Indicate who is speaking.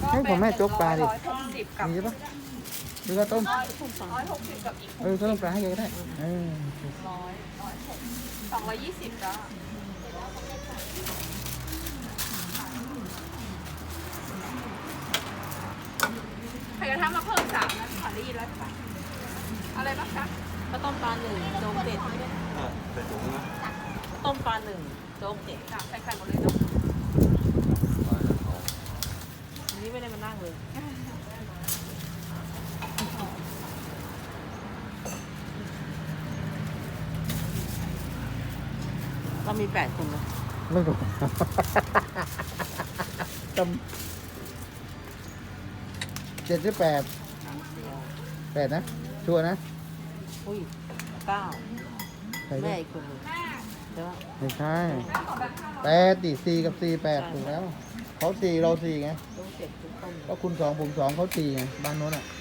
Speaker 1: ให้ผมแม่โจ๊กปลาดิ
Speaker 2: 160กับ
Speaker 1: มีใช่ปะหรือว่าต้ม
Speaker 2: 160กับอีก
Speaker 1: ข้าวต้มปลาให้แกก็ได้
Speaker 2: 220จ้ะใครจะทำมาเพิ่ม3นะขอได้ยินแล้วใช่ปะอะไรบ้างคะ
Speaker 3: ข้าวต้มปลา1โจ๊ก7
Speaker 4: ใส่ถุงนะ
Speaker 3: ต้มปลา1โจ๊ก7
Speaker 2: ใส่ไข่หมดเลยเนาะ
Speaker 3: อันนี้ไม่ได้มานั่งเลยเรามี8คนนะ
Speaker 1: ไม่ถูกต้ม7 หรือ 8 8นะชัวร์นะ
Speaker 3: อุ้ย9
Speaker 1: ใคร
Speaker 3: แม่
Speaker 1: ได้
Speaker 3: อีกคนหนึงใช่ปะ
Speaker 1: ไม่ใช่8ดิ4กับ4 8ถูกแล้วเขา4เรา4ไง
Speaker 3: โจ๊ก7ทุกต้ม
Speaker 1: ก็คุณ2ผม2เขา4ไงบ้านโน้นอ่ะ